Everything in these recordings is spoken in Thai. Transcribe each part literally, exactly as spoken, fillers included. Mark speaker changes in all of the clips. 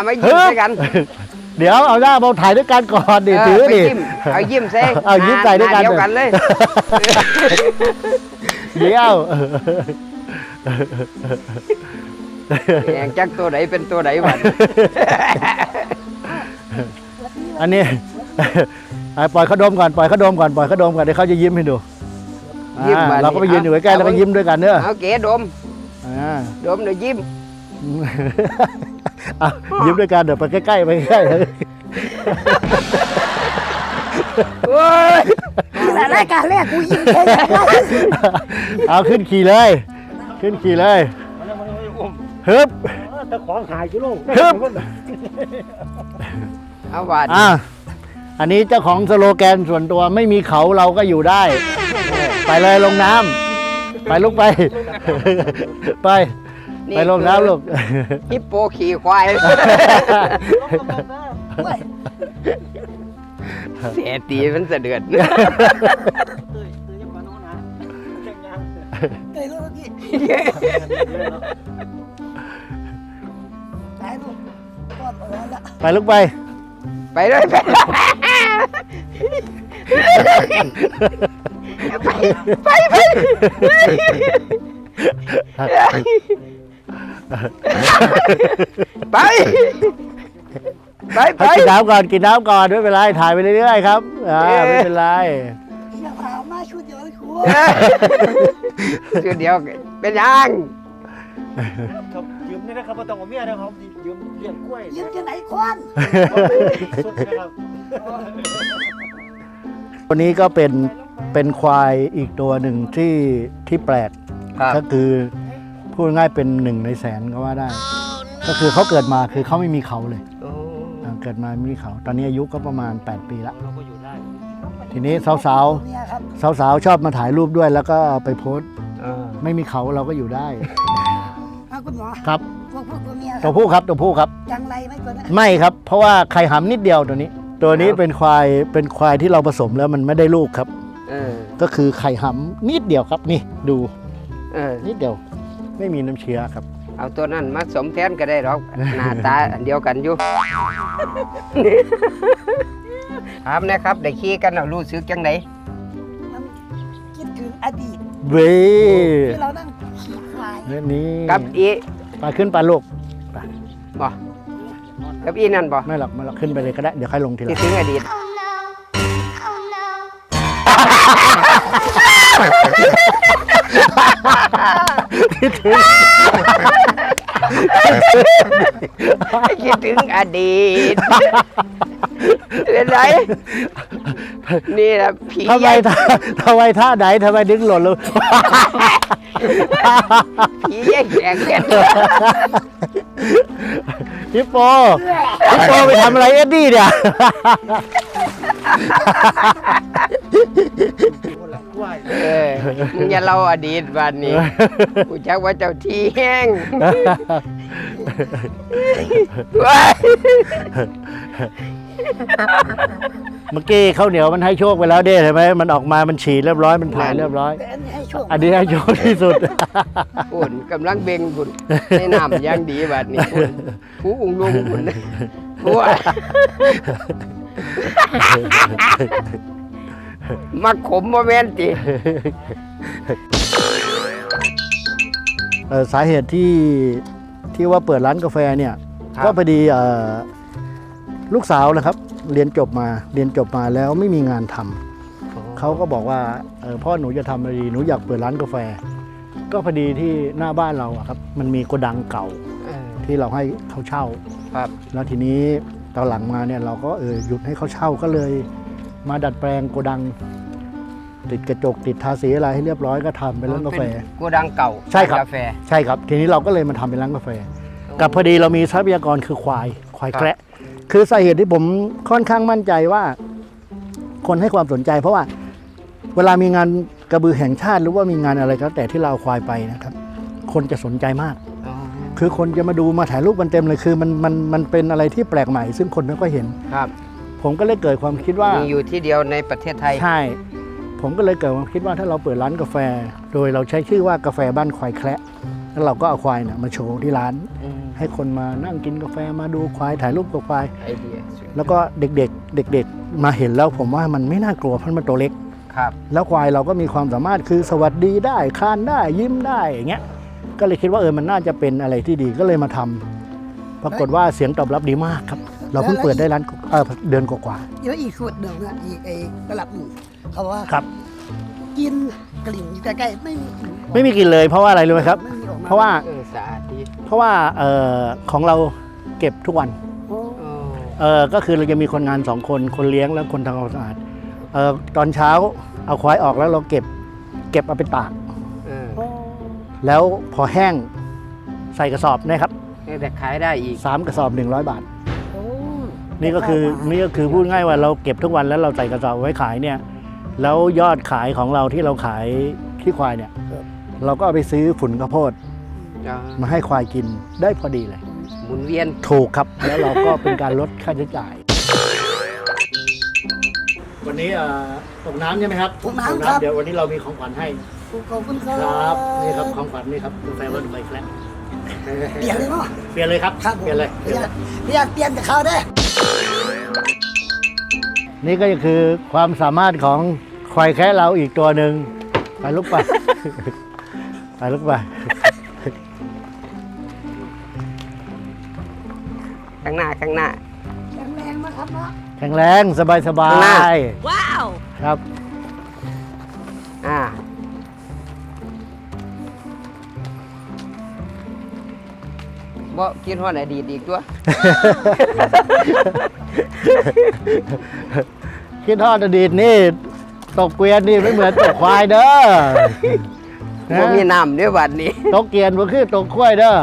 Speaker 1: มายิ้มใส่กัน
Speaker 2: เดี๋ยวเอาหน้ามาถ่ายด้วยกันก่อนดิถือดิ
Speaker 1: เอายิ้มใส่
Speaker 2: เอายิ้มใส่ด้วยกัน
Speaker 1: เดียวกันเลย
Speaker 2: เดี๋ยว
Speaker 1: แข่งจักตัวไหนเป็นตัวไหนบ้าง
Speaker 2: อันนี้ปล่อยเขาดมก่อนปล่อยเขาดมก่อนปล่อยเขาดมก่อนเดี๋ยวเขาจะยิ้มให้ดูเราก็ไปยืนอยู่ใกล้ๆแล้วก็ยิ้มด้วยกันเนอะ
Speaker 1: เอาเก๋ดมดมเดี๋ยวยิ้ม
Speaker 2: ยิ้มด้วยกันเดี๋ยวไปใกล้ๆไปใกล้ๆเลย
Speaker 1: โอ้ย
Speaker 3: แต่รายการแรกกูยิ้มแค่ไหน
Speaker 2: เอาขึ้นขี่เลยขึ้นขี่เลยฮึบ
Speaker 4: ตะของหายกิโล
Speaker 2: ฮึบ
Speaker 1: เอาหวาน
Speaker 2: อ่ะอันนี้เจ้าของสโลแกนส่วนตัวไม่มีเขาเราก็อยู่ได้ไปเลยลงน้ำไปลุกไปไปไปลงน้ำลูก
Speaker 1: ฮิปโปขี่ควายเสียตีมันเสดือด
Speaker 2: ไปลุกไป
Speaker 1: ไปเลยไปไปไปไปไปไป
Speaker 2: กินน้ำก่อนกินน้ำก่อนไม่เป็นไรถ่ายไปเรื่อยๆครับอ่าไม่เป็นไร
Speaker 3: อย่าพามาชุดเดียวเลยครู
Speaker 1: ชุดเดียวเป็นยัง
Speaker 4: ครับยืมนี่นะครับต้องเอาเมียนะครับยืมเลี้ยงกล้วย
Speaker 3: ยืมจะไหนควัน
Speaker 2: ตัวนี้ก็เป็นเป็นควายอีกตัวหนึ่งที่ที่แปลกก็คือพูดง่ายเป็นหนึ่งในแสนก็ว่าได้ก็คือเขาเกิดมาคือเขาไม่มีเขาเลยเกิดมาไม่มีเขาตอนนี้อายุก็ประมาณแปดปีแล้วทีนี้สาวสาวสาวสาวชอบมาถ่ายรูปด้วยแล้วก็ไปโพสไม่มีเขาเราก็อยู่ได้
Speaker 3: คุณหมอ
Speaker 2: ครับ
Speaker 3: ตัวผู้ตัวเมีย
Speaker 2: ตัวผู้ครับตัวผู้ครับ
Speaker 3: จังไรไหมตัวนั้น
Speaker 2: ไม่ครับเพราะว่าไข่หำนิดเดียวตัวนี้ตัวนี้เป็นควายเป็นควายที่เราผสมแล้วมันไม่ได้ลูกครับก็คือไข่หำนิดเดียวครับนี่ดูนิดเดียวไม่มีน้ำเชื้อครับ
Speaker 1: เอาตัวนั้นมาสมแทนก็ได้หรอกหน้าตาอันเดียวกันอยู่ถามนะครับได้ขี่กันเรารู้สึกจังไหน
Speaker 3: คิดถึงอดีต
Speaker 2: เว้
Speaker 3: ที่เรานั่งขี่ควาย
Speaker 2: นี่
Speaker 1: กับอี
Speaker 2: ไปขึ้นไปลูกไป
Speaker 1: บ่กับอีนั่นบ่
Speaker 2: ไม่หรอกไม่หรอกขึ้นไปเลยก็ได้เดี๋ยวค่อยลงทีหลัง
Speaker 1: คิดถึงอดีตคิดถึงคิดถึงอดีตเป็นไรนี่แหละผี
Speaker 2: ทำไมทำไมท่าไหนทำไมดึงหล่นเลย
Speaker 1: ผีแย่งแข่งกัน
Speaker 2: ฮิปโปฮิปโปไปทำอะไรเอ็ดดี้เนี่ย
Speaker 1: เออมึงอย่าเล่าอดีตวันนี้กูชักว่าเจ้าที่แห้ง
Speaker 2: เมื่อกี้ข้าวเหนียวมันให้โชคไปแล้วเด้ใช่ไหมมันออกมามันฉี่เรียบร้อยมันถ่ายเรียบร้อยอันนี้ให้โชคที่สุด
Speaker 1: อุ่นกำลังเบ่งบุญในน้ำยังดีแบบนี้ผู้อุ้งลุงบุญผู้มาขมโมเมนต์ติ
Speaker 2: สาเหตุที่ที่ว่าเปิดร้านกาแฟเนี่ยก็พอดีลูกสาวนะครับเรียนจบมาเรียนจบมาแล้วไม่มีงานทำเขาก็บอกว่าพ่อหนูจะทำอะไรดีหนูอยากเปิดร้านกาแฟก็พอดีที่หน้าบ้านเราครับมันมีโกดังเก่าที่เราให้เขาเช่าแล้วทีนี้ตอนหลังมาเนี่ยเราก็เออหยุดให้เขาเช่าก็เลยมาดัดแปลงโกดังติดกระจกติดทาสีอะไรให้เรียบร้อยก็ทำเป็นร้านกาแฟ
Speaker 1: โกดังเก่า
Speaker 2: ใช่ครับกาแฟใช่ครับทีนี้เราก็เลยมาทำเป็นร้านกาแฟกับพอดีเรามีทรัพยากรคือควายควายแคระคือสาเหตุที่ผมค่อนข้างมั่นใจว่าคนให้ความสนใจเพราะว่าเวลามีงานกระบือแห่งชาติหรือว่ามีงานอะไรก็แต่ที่เราควายไปนะครับคนจะสนใจมากคือคนจะมาดูมาถ่ายรูปมันเต็มเลยคือมันมันมันเป็นอะไรที่แปลกใหม่ซึ่งคนไม่ค่อยเห็น
Speaker 1: ครับ
Speaker 2: ผมก็เลยเกิดความคิดว่า
Speaker 1: มีอยู่ที่เดียวในประเทศไทย
Speaker 2: ใช่ผมก็เลยเกิดความคิดว่าถ้าเราเปิดร้านกาแฟโดยเราใช้ชื่อว่ากาแฟบ้านควายแคระแล้วเราก็เอาควายเนี่ยมาโชว์ที่ร้านใให้คนมานั่งกินกาแฟมาดูควายถ่ายรูปกับควาย
Speaker 1: ไอเดียสวย
Speaker 2: แล้วก็เด็กๆ เด็กๆ มาเห็นแล้วผมว่ามันไม่น่ากลัวเพราะมันตัวเล็ก
Speaker 1: ครับ
Speaker 2: แล้วควายเราก็มีความสามารถคือสวัสดีได้คลานได้ยิ้มได้อย่างเงี้ยก็เลยคิดว่าเออมันน่าจะเป็นอะไรที่ดีก็เลยมาทำปรากฏว่าเสียงตอบรับดีมากครับ เราเพิ่งเปิดได้ร้านเออเดือนกว่า
Speaker 3: เดี๋ยวอีกขวดหนึ่งนะอีกไอ้กระลับหนึ่งเขาว่า
Speaker 2: ๆครับ
Speaker 3: กินกลิ่นอยู่ใกล้ๆไม่มีกลิ่น
Speaker 2: ไม่มีกลินเลยเพราะว่าอะไรรู้ไหมครับ
Speaker 3: ไม่มีออกม
Speaker 2: เพราะว่า
Speaker 1: เออสะอาดดี
Speaker 2: เพราะว่าเอ่อของเราเก็บทุกวัน
Speaker 3: โอ้
Speaker 1: โอ้
Speaker 2: เออก็คือเราจะมีคนงานสองคนคนเลี้ยงและคนทำความสะอาดเออตอนเช้าเอาควายออกแล้วเราเก็บเก็บเอาไปตาก
Speaker 1: เออ
Speaker 3: โอ้
Speaker 2: แล้วพอแห้งใส่กระสอบนะครับ
Speaker 1: แต่ขายได้อีก
Speaker 2: สามกระสอบหนึ่งร้อยบาท
Speaker 3: โอ้
Speaker 2: นี่ก็คือนี่ก็คือพูดง่ายว่าเราเก็บทุกวันแล้วเราใส่กระสอบไว้ขายเนี่ยแล้วยอดขายของเราที่เราขายขี้ควายเนี่ยเราก็เอาไปซื้อฝุ่นข้าวโพด
Speaker 1: อ่า
Speaker 2: มาให้ควายกินได้พอดีเลย
Speaker 1: หมุนเวียน
Speaker 2: ถูกครับ แล้วเราก็เป็นการลดค่าใช้จ่าย วันนี้ตกน้ำใช่ไหมครับ
Speaker 3: ตกน้ำครับ
Speaker 2: เดี๋ยววันนี้เรามีของขวัญให้
Speaker 3: ขอบคุณครั
Speaker 2: ครับ บนี่ครับของขวัญนี่ครับกาแฟวันใบแคละ
Speaker 3: เปลี่ยนเลยเนาะ
Speaker 2: เปลี่ยนเลยครับ
Speaker 3: ครับผม
Speaker 2: เปลี่ยนเลย
Speaker 3: เปลี่ยนเปลี่ยนเปลี่ยนแต่เขาได้
Speaker 2: นี่ก็คือความสามารถของควายแคะเราอีกตัวหนึ่งไปลุกไป ไปลุกไป
Speaker 1: ข้างหน้าข้างหน้า
Speaker 3: แข็งแรงนะครับเนาะ
Speaker 2: แข็งแรงสบายสบา
Speaker 1: ข้างหน้า
Speaker 2: ยว้าวครับ
Speaker 1: อ่าบ่คิดฮอดอดีตอีกตัว
Speaker 2: คิดทอดอดีตนี่ตกเกวียนนี่ไม่เหมือนตกควายเด้อ
Speaker 1: บ่มีน้ำเด้วยบัดนี้
Speaker 2: ตกเกวียนบ่คือตกควายเด้อ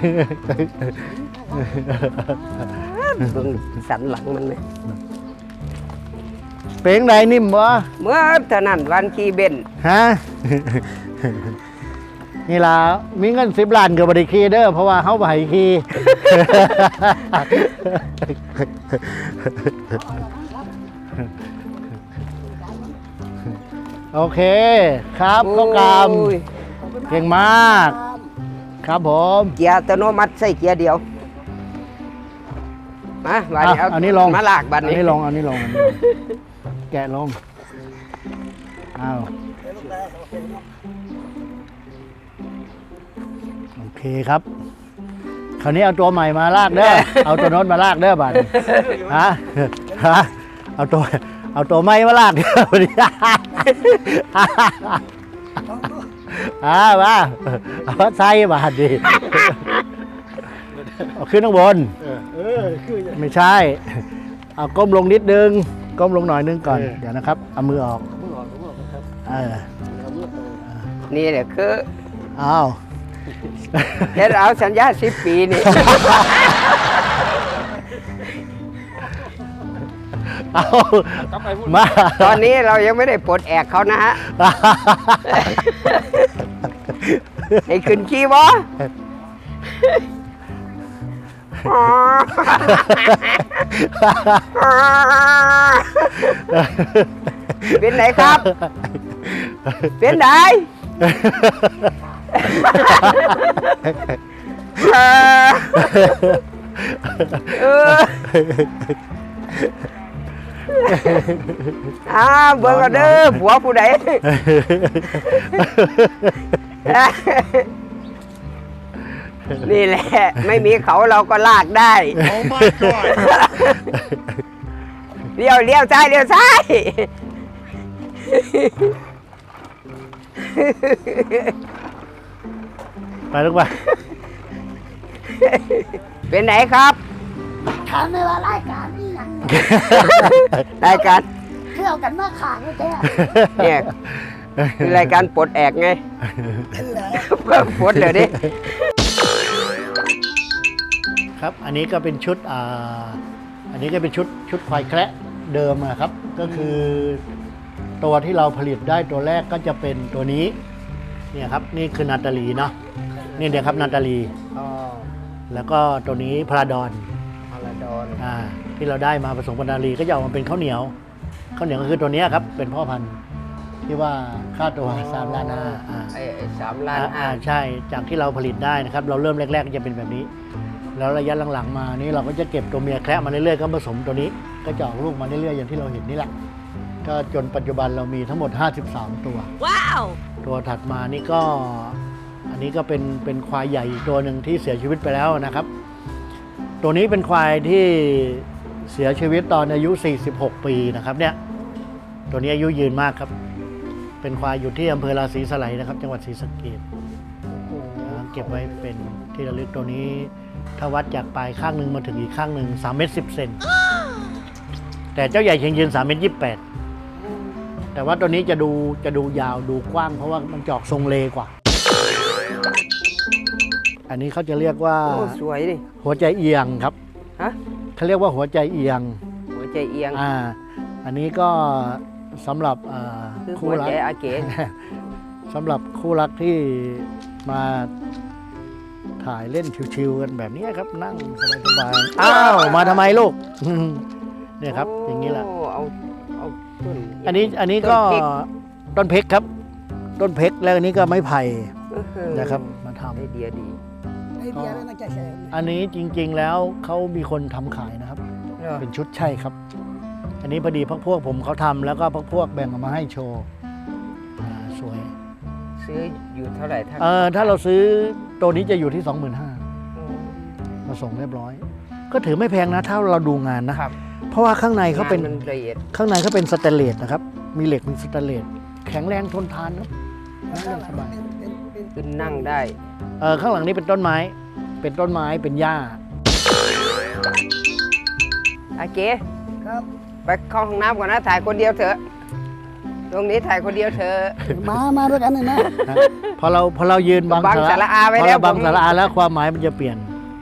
Speaker 1: เบิ่งสันหลังมันเลย
Speaker 2: เปลงใดนิ่มบ่
Speaker 1: เมื่อเท่านั้นวันขี่เบนซ์
Speaker 2: ฮะ นี่ล่ะมีเงินสิบล้านกับบริคีเด้อเพราะว่าเขาบ่ให้คี โอเคครับข้าวกรรม
Speaker 1: โอ้ย
Speaker 2: เก่งมาก ครับผม
Speaker 1: เกียร์อัตโนมัติใส่เกียร์เดียว มาบัดนี้
Speaker 2: อ่ะ
Speaker 1: เอา
Speaker 2: อันนี้ลง
Speaker 1: มาลากบัด
Speaker 2: อัน
Speaker 1: นี้
Speaker 2: นี้ลงอันนี้ลงอันนี้ลงแกะลงอ้าวโอเคครับ คราวนี้เอาตัวใหม่มาลากเด้อ เอาตัวโน้นมาลากเด้อบัดนี้ฮะฮะเอาตัวเอาตัวใหม่มาลากเด้อบัดนี้อ่ามาเอามาใส่บาดดีเอาขึ้นข้างบน
Speaker 4: เออเออคือจะ
Speaker 2: ไม่ใช่ เอาก้มลงนิดนึง ก้มลงหน่อยนึงก่อน
Speaker 4: เออ
Speaker 2: เดี๋ยวนะครับ เอามือออก
Speaker 4: มือออกมือออกครับ
Speaker 2: เออ
Speaker 4: เอามือออก
Speaker 1: นี่แหละคือ
Speaker 2: อ้าว
Speaker 1: เฮ็ดเอาสัญญาสิบปีนี่
Speaker 2: เอา
Speaker 4: กลับไปพูด
Speaker 2: มา
Speaker 1: ตอนนี้เรายังไม่ได้ปลดแอกเขานะฮะ ให้ขึ้นขี่บ่เป็นไหนครับ เป็นไหนเออเอออ้าวเบิ่งเอาเด้อผัวผู้ใด นี่แหละ ไม่มีเขาเราก็ลากได้
Speaker 4: โอ้ my god
Speaker 1: เลี้ยวเลี้ยวซ้ายเลี้ยวซ้าย
Speaker 2: ไปลูกไป
Speaker 1: เป็นไหนครับ
Speaker 3: ถามไม่ว่ารายการนี่ยัง
Speaker 1: รายการ
Speaker 3: เที่ยวกันมาขาดก็แท้
Speaker 1: เนี่ยคือรายการปลดแอกไง
Speaker 3: เป็นเลย
Speaker 1: เพิ่มปลดเลยดิ
Speaker 2: ครับ อันนี้ก็เป็นชุดอ่าอันนี้ก็เป็นชุดชุดควายแคระเดิมนะครับ ก็คือตัวที่เราผลิตได้ตัวแรกก็จะเป็นตัวนี้ เนี่ยครับ นี่คือนาตาลีเนาะ นี่เดี๋ยวครับนาตาลี
Speaker 1: อ๋อ
Speaker 2: แล้วก็ตัวนี้พราดอน
Speaker 1: พาราดอน
Speaker 2: อ่าที่เราได้มาผสมกับนาตาลีก็จะออกมาเป็นข้าวเหนียว ข้าวเหนียวก็คือตัวเนี้ยครับ เป็นพ่อพันธุ์ที่ว่าค่าตัวสามล้านห้าอ่า
Speaker 1: ไอ้ไอ้สามล้าน
Speaker 2: อ่า
Speaker 1: ห้า
Speaker 2: อ่าใช่ จากที่เราผลิตได้นะครับ เราเริ่มแรกๆก็จะเป็นแบบนี้แล้วระยะหลังๆมานี่เราก็จะเก็บตัวเมียแคระมาเรื่อยๆก็ผสมตัวนี้ก็จะออกลูกมาเรื่อยๆอย่างที่เราเห็นนี่แหละก็จนปัจจุบันเรามีทั้งหมดห้าสิบสามตัวว้าวตัวถัดมานี่ก็อันนี้ก็เป็นเป็นควายใหญ่อีกตัวหนึ่งที่เสียชีวิตไปแล้วนะครับ ตัวนี้เป็นควายที่เสียชีวิตตอนอายุสี่สิบหกปีนะครับเนี่ยตัวนี้อายุยืนมากครับเป็นควายอยู่ที่อำเภอราศีสไลยนะครับจังหวัดศรีสะเกษเก็บไว้เป็นที่ระลึกตัวนี้ถ้าวัดจากปลายข้างหนึ่งมาถึงอีกข้างหนึ่งสามเมตรสิบเซนแต่เจ้าใหญ่เชียงยืนสามเมตรยี่สิบแปดแต่ว่าตัวนี้จะดูจะดูยาวดูกว้างเพราะว่ามันจอกทรงเลกว่าอันนี้เขาจะเรียกว่า
Speaker 1: โอ้สวยดิ
Speaker 2: หัวใจเอียงครับ
Speaker 1: ฮะ
Speaker 2: เขาเรียกว่าหัวใจเอียง
Speaker 1: หัวใจเอียง
Speaker 2: อ่าอันนี้ก็สำหรับอ่า
Speaker 1: คือหั
Speaker 2: คู่
Speaker 1: ว
Speaker 2: รัก
Speaker 1: ใจอาเก๋
Speaker 2: สำหรับคู่รักที่มาถ่ายเล่นชิวๆกันแบบนี้ครับนั่งสบายๆอ้าวมาทำไมลูก เนี่ยครับอย่างนี้แหละ
Speaker 1: โเอาเอาต้น
Speaker 2: อันนี้อันนี้ก็
Speaker 1: ต้นพริก
Speaker 2: ต้นเพกครับ ต้นเพกแล้วอันนี้ก็ไม้ไผ่
Speaker 1: อื้อหือ
Speaker 2: นะครับมาท
Speaker 1: ไอเดียดี
Speaker 3: ไอเดียไม่น่าจะใช่
Speaker 2: ำอันนี้จริงๆแล้วเขามีคนทำขายนะครับ
Speaker 1: เหรอ
Speaker 2: เป็นชุดใช่ครับ อันนี้พอดีพวกพวกผมเขาทำแล้วก็พวกพวกแบ่งออกมาให้โชว์อ่าสวย
Speaker 1: ซื้ออยู่เท่าไหร่ท่าน
Speaker 2: เออถ้าเราซื้อตัวนี้จะอยู่ที่ สองหมื่นห้าพัน มาส่งเรียบร้อย ก็ถือไม่แพงนะถ้าเราดูงานนะ
Speaker 1: ครับ
Speaker 2: เพราะว่าข้างในเขาเป็น
Speaker 1: งมันละเอียด
Speaker 2: ข้างในเขาเป็นสแตนเลสนะครับ มีเหล็กเป็นสแตนเลสแข็งแรงทนทานครับนั่งเล่นสบาย
Speaker 1: ขึ้นนั่งได้
Speaker 2: เออข้างหลังนี้เป็นต้นไม้ เป็นต้นไม้เป็นหญ้า
Speaker 1: อาเก๋
Speaker 3: ครับ
Speaker 1: ไปเข้าห้องน้ำก่อนนะถ่ายคนเดียวเถอะตรงนี้ถ่ายคนเดียวเถอะ
Speaker 3: มามาด้วยกันเลยนะ
Speaker 2: นะพอเราพอเรายืนบัง
Speaker 1: บังสาระอาไว้
Speaker 2: พอ
Speaker 1: แล้ว
Speaker 2: เราบัง
Speaker 1: ผม
Speaker 2: สาระอาแล้วความหมายมันจะเปลี่ยน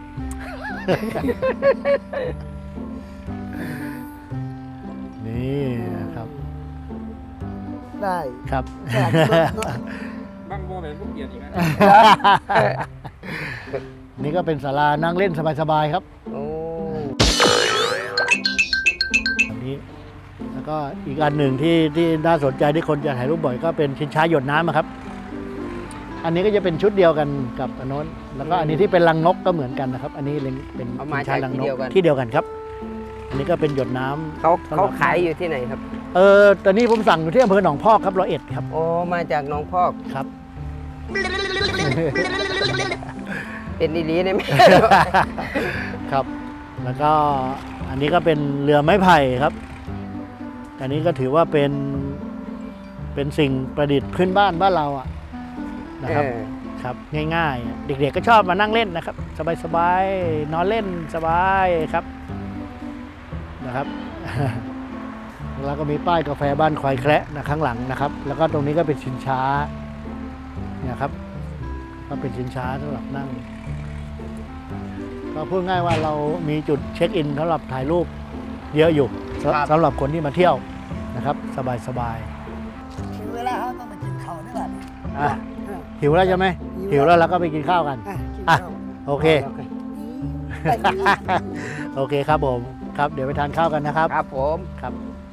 Speaker 2: นี่ครับ
Speaker 3: ได้
Speaker 2: ครับ
Speaker 4: บางโมเป็นผู้เปลี่ยนอีกนะ
Speaker 2: นี่ก็เป็นศาลานั่งเล่นสบายๆครับ
Speaker 1: โอ้
Speaker 2: แบบนี้แล้วก็อีกอันหนึ่งที่ที่น่าสนใจที่คนจะถ่ายรูปบ่อยก็เป็นชิงช้าหยดน้ำอะครับ อันนี้ก็จะเป็นชุดเดียวกันกับอันโน้นแล้วก็อันนี้ที่เป็นรังนกก็เหมือนกันนะครับ อันนี้เป็น
Speaker 1: เอามา
Speaker 2: ชิงช้า
Speaker 1: จาก
Speaker 2: รัง
Speaker 1: ที่
Speaker 2: น
Speaker 1: เดี
Speaker 2: ก
Speaker 1: ยวกัน
Speaker 2: ที่เดียวกันครับ อันนี้ก็เป็นหยดน้ำ
Speaker 1: เขาเขาขายอยู่ที่ไหนครับ
Speaker 2: เออตอนนี้ผมสั่งอยู่ที่อำเภอหนองพอกครับร้อยเอ็ดครับ
Speaker 1: โอ้มาจากหน้องพอก
Speaker 2: ครับ
Speaker 1: เป็นอีหลีได้ไหม
Speaker 2: ครับ แล้วก็อันนี้ก็เป็นเรือไม้ไผ่ครับ อันนี้ก็ถือว่าเป็นเป็นสิ่งประดิษฐ์พื้นบ้านบ้านเราอะนะครับ
Speaker 1: เออ
Speaker 2: ครับง่ายๆ เด็กๆก็ชอบมานั่งเล่นนะครับ สบายๆนอนเล่นสบายครับนะครับ แล้วก็มีป้ายกาแฟบ้านควายแคระนะข้างหลังนะครับ แล้วก็ตรงนี้ก็เป็นชิงช้าเนี่ยครับก็เป็นชิงช้าสำหรับนั่งก็พูดง่ายว่าเรามีจุดเช็คอินสำหรับถ่ายรูปเยอะอยู่สำ
Speaker 1: ครับ
Speaker 2: สำหรับคนที่มาเที่ยวนะครับ สบาย
Speaker 3: ถึงเวลาเขาต้องไปกินข้าวนี่แหละ
Speaker 2: ๆอ่ะหิวแล้วใช่ไหมหิวแล้วเราก็ไปกินข้าวกัน
Speaker 3: อ่ะกิน
Speaker 2: อ่ะ
Speaker 3: ข้าว
Speaker 2: โอเค
Speaker 3: ไปกินข้าว
Speaker 2: โอเคครับผมครับเดี๋ยวไปทานข้าวกันนะครับ
Speaker 1: ครับผม
Speaker 2: ครับ